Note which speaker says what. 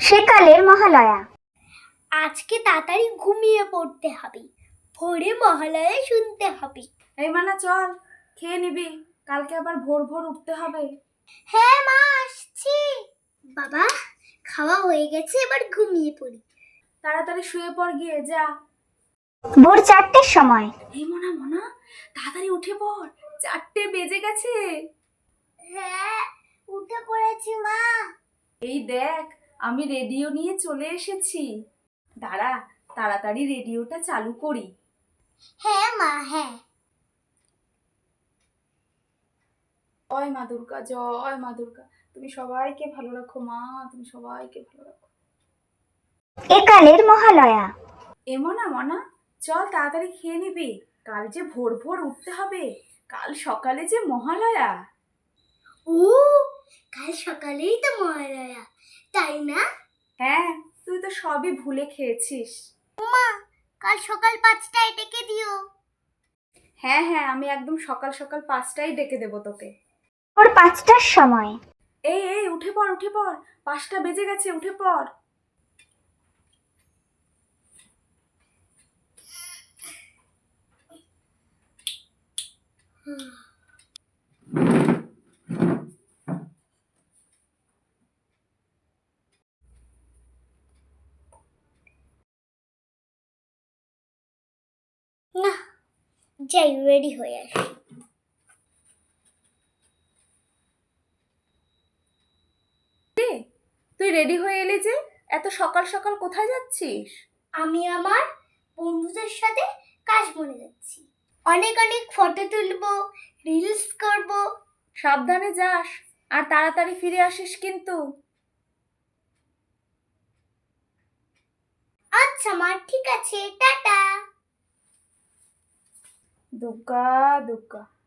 Speaker 1: সেকালের মহালয়া।
Speaker 2: আজকে তাড়াতাড়ি ঘুমিয়ে পড়তে হবে, ভোরে মহালয়া শুনতে হবে।
Speaker 3: এই মানা চল, খেয়ে নিবি, কালকে আবার ভোর ভোর উঠতে হবে।
Speaker 2: হ্যাঁ মা, আসছি। বাবা, খাওয়া হয়ে গেছে, এবার ঘুমিয়ে পড়ি।
Speaker 3: তাড়াতাড়ি শুয়ে পড় গিয়ে, যা।
Speaker 1: ভোর 4টের সময়।
Speaker 3: এই মনা মনা, তাড়াতাড়ি উঠে পড়, 4টে বেজে গেছে।
Speaker 2: হ্যাঁ, উঠে পড়েছি মা।
Speaker 3: এই দেখ, আমি রেডিও নিয়ে চলে এসেছি। দাঁড়া, তাড়াতাড়ি রেডিওটা চালু করি।
Speaker 2: হ্যাঁ মা, হ্যাঁ।
Speaker 3: জয় মা দুর্গা, জয় মা দুর্গা। তুমি সবাইকে ভালো রাখো মা, তুমি সবাইকে ভালো রাখো।
Speaker 1: একালের মহালয়া।
Speaker 3: এ মনা মনা, চল তাড়াতাড়ি খেয়ে নিবি, কাল যে ভোর ভোর উঠতে হবে, কাল সকালে যে মহালয়া।
Speaker 2: ও, কাল সকালেই তো মহালয়া, তাই না?
Speaker 3: হ্যাঁ, তুই তো সবই ভুলে খেয়েছিস।
Speaker 2: কাল সকাল 5টায় ডেকে দিও।
Speaker 3: হ্যাঁ হ্যাঁ, আমি একদম সকাল সকাল 5টায় ডেকে দেবো তোকে।
Speaker 1: ভোর 5টার সময়।
Speaker 3: এই এই, উঠে পড় উঠে পড়, 5টা বেজে গেছে, উঠে পড়।
Speaker 2: না, যাই রেডি হয়ে আসি।
Speaker 3: তুই রেডি হয়ে এলি যে, এত সকাল সকাল কোথায় যাচ্ছিস?
Speaker 2: আমি আমার বন্ধুদের সাথে কাশবনে যাচ্ছি, অনেক অনেক ফটো তুলবো, রিলস করব।
Speaker 3: সাবধানে যাস, আর তাড়াতাড়ি ফিরে আসিস কিন্তু।
Speaker 2: আচ্ছা মা, ঠিক আছে, টাটা।
Speaker 3: দুর্গা দুর্গা।